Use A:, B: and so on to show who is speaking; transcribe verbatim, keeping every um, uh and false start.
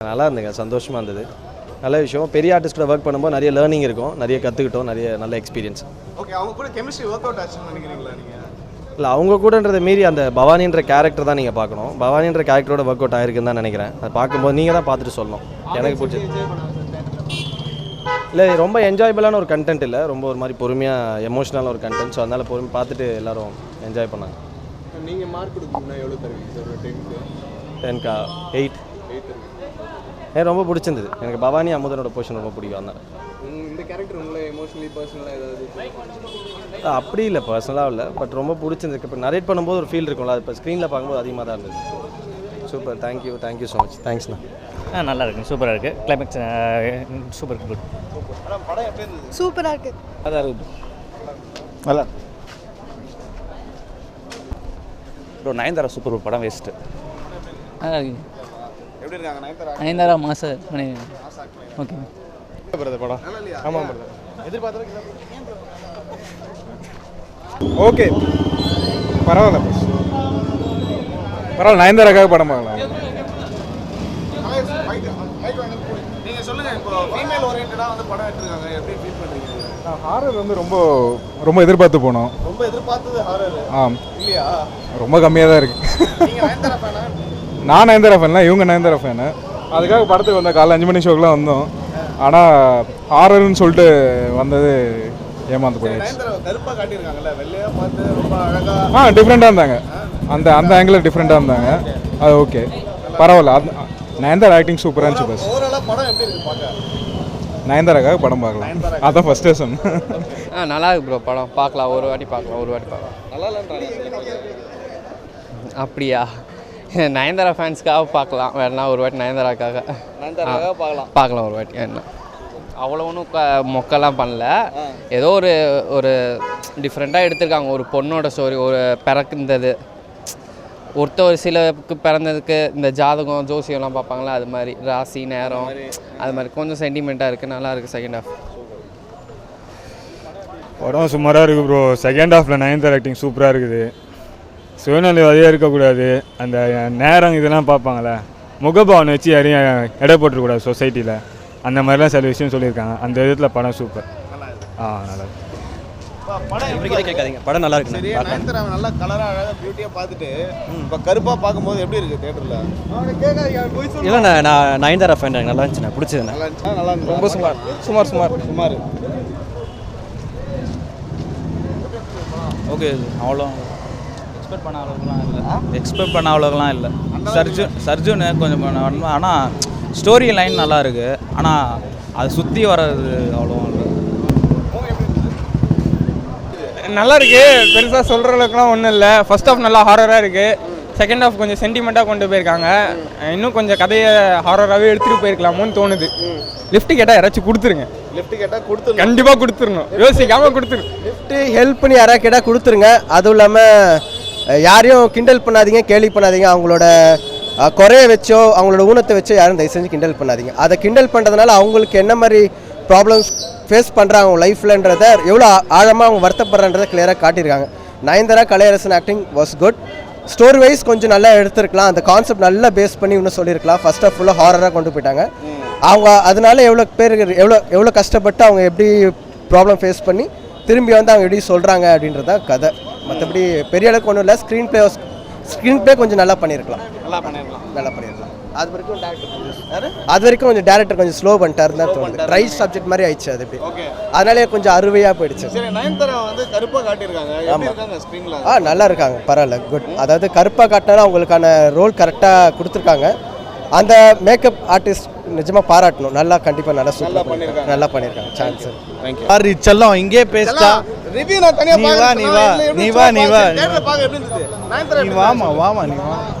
A: நல்லா இருந்துங்க, சந்தோஷமாக இருந்தது. நல்ல விஷயம். பெரிய ஆர்டிஸ்ட் கூட ஒர்க் பண்ணும்போது நிறைய லேர்னிங் இருக்கும், நிறைய கற்றுக்கிட்டோம், நிறைய நல்ல எக்ஸ்பீரியன்ஸ்.
B: ஓகே, அவங்க கூட கெமிஸ்ட்ரி ஒர்க் அவுட் ஆச்சுன்னு நினைக்கிறீங்களா நீங்கள்?
A: இல்லை, அவங்க கூடன்றதை மீறி அந்த பவானின்ற கேரக்டர் தான் நீங்கள் பார்க்கணும். பவானின்ற கேரக்டரோட ஒர்க் அவுட் ஆயிருக்குன்னு தான் நினைக்கிறேன். அதை பார்க்கும்போது நீங்கள் தான் பார்த்துட்டு சொல்லணும். எனக்கு பிடிச்சது இல்லை, ரொம்ப என்ஜாயபிளான ஒரு கண்டென்ட் இல்லை, ரொம்ப ஒரு மாதிரி பொறுமையாக எமோஷ்னலான ஒரு கண்டென்ட். ஸோ அதனால் பொறுமை பார்த்துட்டு எல்லோரும் என்ஜாய் பண்ணாங்க.
B: நீங்கள் மார்க் கொடுக்கணும்னா எவ்வளோ தருவீங்க சார்? டென்க்கு
A: டென்கா எயிட்
B: எயிட்
A: எனக்கு ரொம்ப பிடிச்சிருந்தது. எனக்கு பவானி அமுதனோட போர்ஷன் ரொம்ப பிடிக்கும். அதனால்
B: இந்த கேரக்டர் உங்களை எமோஷனலி பர்சனலாக ஏதாவது?
A: அப்படி இல்லை, பர்சனலாக இல்லை, பட் ரொம்ப பிடிச்சிருந்துருக்கு. இப்போ நரேட் பண்ணும்போது ஒரு ஃபீல் இருக்கும்ல, அது இப்போ ஸ்க்ரீனில் பார்க்கும்போது அதிகமாக தான் இருந்தது. Super, thank you thank you so much. தேங்க்ஸ்ண்ணா.
C: ஆ நல்லா இருக்குது, சூப்பராக இருக்குது. Climax super good.
B: படம் எப்படி இருந்தது?
D: சூப்பராக இருக்குது.
A: அதான் இருக்குது, நல்லா.
E: ப்ரோ நயன்தாரா சூப்பர் படம் வேஸ்ட்டு.
B: எப்படி இருக்காங்க நயன்தாரா?
F: நயன்தாரா மாச ஓகே
B: பிரதர் படம் நல்லா இல்லையா? ஆமாம் பிரதர், எதிர்பார்த்தது
G: ஓகே, பரவாயில்ல பஸ் பரவாயில்ல. நயன்தாராக்காக படம் பார்க்கலாம்.
B: நீங்கள் சொல்லுங்கள், இப்போ ஃபீமேல் ஓரியன்டாக வந்து படம் எடுத்துருக்காங்க, எப்படி ஃபீல் பண்ணுறீங்க?
G: ஹாரர் வந்து ரொம்ப ரொம்ப எதிர்பார்த்து போனோம்.
B: ரொம்ப எதிர்பார்த்தது ஹாரர்
G: ஆ
B: இல்லையா?
G: ரொம்ப கம்மியாக தான் இருக்குது.
B: நீங்கள் நயன்தாரா ஃபேனா?
G: நான் நயன்தாரா ஃபேன்லாம், இவங்க நயன்தாரா ஃபேனு. அதுக்காக படத்துக்கு வந்தோம், காலைல அஞ்சு மணி ஷோக்கெலாம் வந்தோம். ஆனால் ஹாரர்னு சொல்லிட்டு வந்தது ஏமாந்து போயிடுச்சு.
B: நயன்தாரா கருப்பாக காட்டியிருக்காங்கல்ல, வெள்ளையாக பார்த்து ரொம்ப அழகாக.
G: ஆ டிஃப்ரெண்ட்டாக இருந்தாங்க, அந்த அந்த ஆங்கிளில் டிஃப்ரெண்ட்டாக இருந்தாங்க. அது ஓகே, பரவாயில்ல. அது நயன்தாரா ஆக்டிங் சூப்பராக இருந்துச்சு. பஸ்
B: ஓவராலாக படம் எப்படி இருக்குது பார்க்க?
G: நயன்தாராக்காக படம் பார்க்கலாம், அதான் ஃபஸ்ட்டு சொன்னேன்.
F: ஆ நல்லா இருக்கு ப்ரோ, படம் பார்க்கலாம், ஒரு வாட்டி பார்க்கலாம், ஒரு வாட்டி பார்க்கலாம்.
B: நல்லா இல்லைன்றாங்க.
F: அப்படியா? நயன்தாரா ஃபேன்ஸ்க்காக பார்க்கலாம், வேணா ஒரு வாட்டி நயன்தாராக்காக
B: நயன்தாராக்காக பார்க்கலாம்
F: பார்க்கலாம் ஒரு வாட்டி. என்ன அவ்வளோ ஒன்றும் க மொக்கெல்லாம் பண்ணல, ஏதோ ஒரு ஒரு டிஃப்ரெண்ட்டாக எடுத்திருக்காங்க. ஒரு பொண்ணோட ஸ்டோரி, ஒரு பிறக்குந்தது, ஒருத்த ஒரு சிலருக்கு பிறந்ததுக்கு இந்த ஜாதகம் ஜோசியம்லாம் பார்ப்பாங்களா, அது மாதிரி ராசி நேரம் அது மாதிரி கொஞ்சம் சென்டிமெண்ட்டாக இருக்குது, நல்லா இருக்குது. செகண்ட் ஹாஃப்
H: படம் சுமாராக இருக்குது ப்ரோ. செகண்ட் ஹாஃபில் நயன்தாரா ஆக்டிங் சூப்பராக இருக்குது. சுயநலம் அதிகம் இருக்கக்கூடாது, அந்த நேரம் இதெல்லாம் பார்ப்பாங்களே, முகபாவனை வச்சு யாரையும் எடை போட்டுருக்கூடாது சொசைட்டியில், அந்த மாதிரிலாம் சில விஷயம் சொல்லியிருக்காங்க. அந்த விதத்தில் படம் சூப்பர். ஆ நல்லா இருக்கு.
A: படம் கேட்காதீங்க, படம் நல்லா இருக்கு.
B: சரி, நயன்தாரா நல்லா கலராக அழகாக பியூட்டியாக பார்த்துட்டு இப்போ கருப்பாக பார்க்கும்போது எப்படி இருக்குது தேட்டரில்?
A: இல்லைண்ணா, நான் நயன்தாரா ஃபேன், எனக்கு நல்லா இருந்துச்சுண்ணா, பிடிச்சதுண்ணா.
B: நல்லா இருந்துச்சா? நல்லா இருந்துச்சு.
A: ரொம்ப சுமார் சுமார் சுமார்
B: சுமார்
E: ஓகே, அவ்வளோ எக்ஸ்பெக்ட் பண்ண அளவுக்குலாம் இல்லை. எக்ஸ்பெக்ட் பண்ண அளவுக்குலாம் இல்லை. சர்ஜுன் சர்ஜுன்னு கொஞ்சம் பண்ண, ஆனால் ஸ்டோரி லைன் நல்லா இருக்குது, ஆனால் அதை சுற்றி வர்றது அவ்வளோ இல்லை.
I: நல்லா இருக்கு, பெருசாக சொல்கிற அளவுக்குலாம் ஒன்றும் இல்லை. ஃபர்ஸ்ட் ஹாஃப் நல்லா ஹாரராக இருக்குது, செகண்ட் ஹாஃப் கொஞ்சம் சென்டிமெண்ட்டாக கொண்டு போயிருக்காங்க. இன்னும் கொஞ்சம் கதையை ஹாரராகவே எடுத்துகிட்டு போயிருக்கலாமோன்னு தோணுது. லிஃப்ட் கேட்டால் யாராச்சும் கொடுத்துருங்க.
B: லிஃப்ட் கேட்டால் கொடுத்து
I: கண்டிப்பாக கொடுத்துடணும், யோசிக்காமல் கொடுத்துருங்க.
J: லிஃப்ட்டு ஹெல்ப் பண்ணி யாராவது கேட்டால் கொடுத்துருங்க. அதுவும் இல்லாமல் யாரையும் கிண்டல் பண்ணாதீங்க, கேலி பண்ணாதீங்க. அவங்களோட குறைய வச்சோ அவங்களோட ஊனத்தை வச்சோ யாரும் தயவு செஞ்சு கிண்டல் பண்ணாதீங்க. அதை கிண்டல் பண்ணுறதுனால அவங்களுக்கு என்ன மாதிரி ப்ராப்ளம்ஸ் ஃபேஸ் பண்ணுறாங்க அவங்க லைஃப்லன்றதை, எவ்வளோ ஆழமாக அவங்க வருத்தப்படுறன்றதை கிளியராக காட்டியிருக்காங்க. Nayanthara Kalaiyarasan acting was good. Story wise கொஞ்சம் நல்லா எடுத்துருக்கலாம், அந்த கான்செப்ட் நல்லா பேஸ் பண்ணி இன்னும் சொல்லியிருக்கலாம். ஃபர்ஸ்ட் ஆஃப் ஃபுல்லாக ஹாரராக கொண்டு போயிட்டாங்க அவங்க. அதனால எவ்வளோ பேர் எவ்வளோ எவ்வளோ கஷ்டப்பட்டு அவங்க எப்படி ப்ராப்ளம் ஃபேஸ் பண்ணி திரும்பி வந்து அவங்க எப்படி சொல்கிறாங்க அப்படின்றத கதை. மற்றபடி பெரிய அளவுக்கு ஒன்றும் இல்லை. ஸ்க்ரீன் பிளே ஸ்க்ரீன் பிளே கொஞ்சம் நல்லா பண்ணியிருக்கலாம்,
B: நல்லா பண்ணியிருக்கலாம்
J: நல்லா பண்ணியிருக்கலாம். அது வரைக்கும் டேரக்டர் அது வரைக்கும் கொஞ்சம் டேரக்டர் கொஞ்சம் ஸ்லோ பண்ணிட்டாரு தான் தோணுது. ரைட் சப்ஜெக்ட் மாதிரி ஆயிடுச்சு அது. எப்படி அதனாலே கொஞ்சம் அருவையாக போயிடுச்சு.
B: சரி, நயன்தாரா வந்து கருப்பாக காட்டியிருக்காங்க, எப்படி இருக்காங்க ஸ்க்ரீனில்?
J: ஆ நல்லா இருக்காங்க, பரவாயில்ல, குட். அதாவது கருப்பாக காட்டினாலும் அவங்களுக்கான ரோல் கரெக்டாக கொடுத்துருக்காங்க. அந்த மேக்கப் ஆர்டிஸ்ட் நிஜமாக பாராட்டணும், நல்லா கண்டிப்பாக நல்லா சூப்பராக பண்ணியிருக்காங்க, நல்லா பண்ணியிருக்காங்க. Chance
B: thank you.
A: சாரி செல்லம், இங்கே பேசிட்டா
B: ரிவ்யூ நான் தனியாக
A: நீ வா நீ வா நீ வா நீ வா
B: தேட்டரில் பார்க்க எப்படி இருந்தது? நயன்தாரா
A: நீ வாமா வாமா நீ வா.